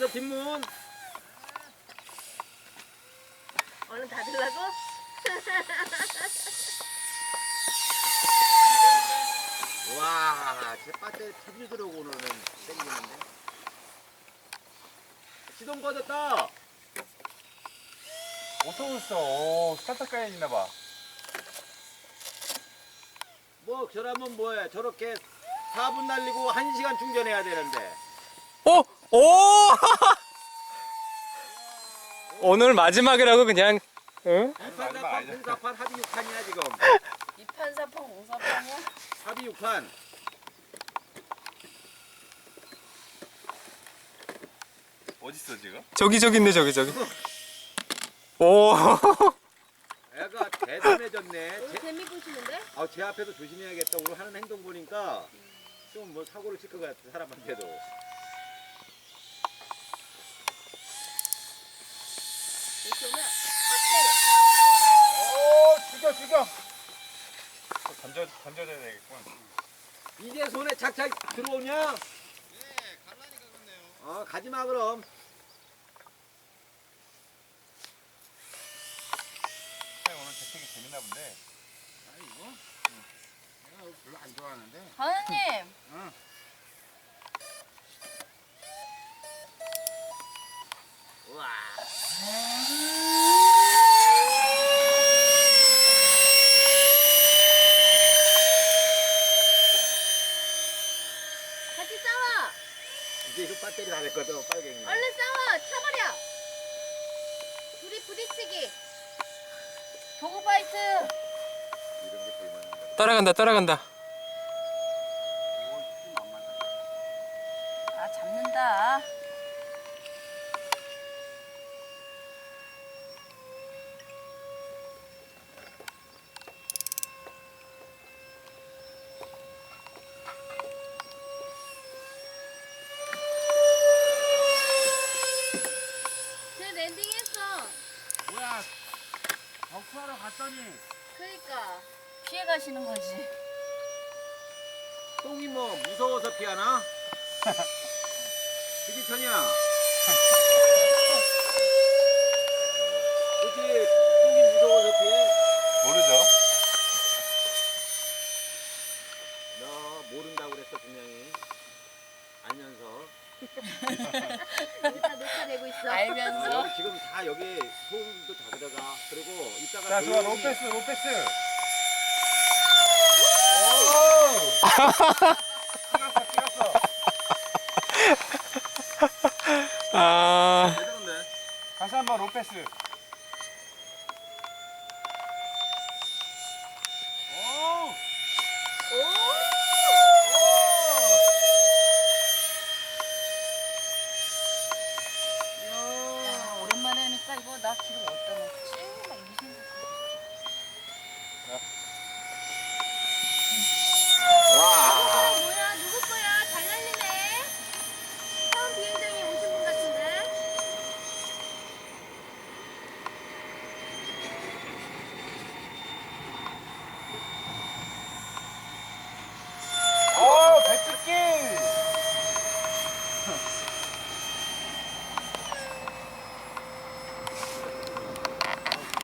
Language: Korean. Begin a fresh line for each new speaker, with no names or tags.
열어서 뒷문.
얼른 닫으려고?
와, 제 배터리 TV 들어오고는 땡기는데. 시동 꺼졌다.
어서 오셨어. 스타트 까야 있나봐.
뭐 저라면 뭐해? 저렇게 4분 날리고 1시간 충전해야 되는데.
오! 오! 오늘 마지막이라고 그냥. 응?
2판 4판 048 합의 6판이야 지금.
2판 4판 0사판이야?
합의 6판.
어딨어 지금?
저기 있네 저기. 오.
애가 대단해졌네.
오늘 재미보시는데?
제 앞에서 조심해야겠다. 오늘 하는 행동 보니까 좀 뭐 사고를 칠 것 같아 사람한테도.
이렇게 오면
오, 죽여. 던져줘야 되겠군.
이제 손에 착착 들어오냐?
네, 갈라니까 그렇네요.
가지마 그럼.
오늘 재택이 재밌나 본데.
이거? 내가 별로 안 좋아하는데.
과장님!
응.
우와.
같이 싸워!
이제 이거 배터리 다 됐거든 빨갱이.
얼른 싸워! 차버려! 둘이 부딪히기! 도그파이트!
이런 게 볼만한 거야.
따라간다.
아, 잡는다. 쟤 랜딩했어.
뭐야? 덕수하러 갔더니
그러니까 피해 가시는 거지.
똥이 뭐 무서워서 피하나? 그지 천이야? 그지 똥이 무서워서 피해?
모르죠.
너 모른다고 그랬어 분명히. 알면서.
여기 다 녹화되고 있어. 알면서?
여기 지금 다 여기 소음도 다 들어가. 그리고 이따가
자, 좋아.
조용히-
로패스. 찍었어.
아.
대단한데?
다시 한번 로패스.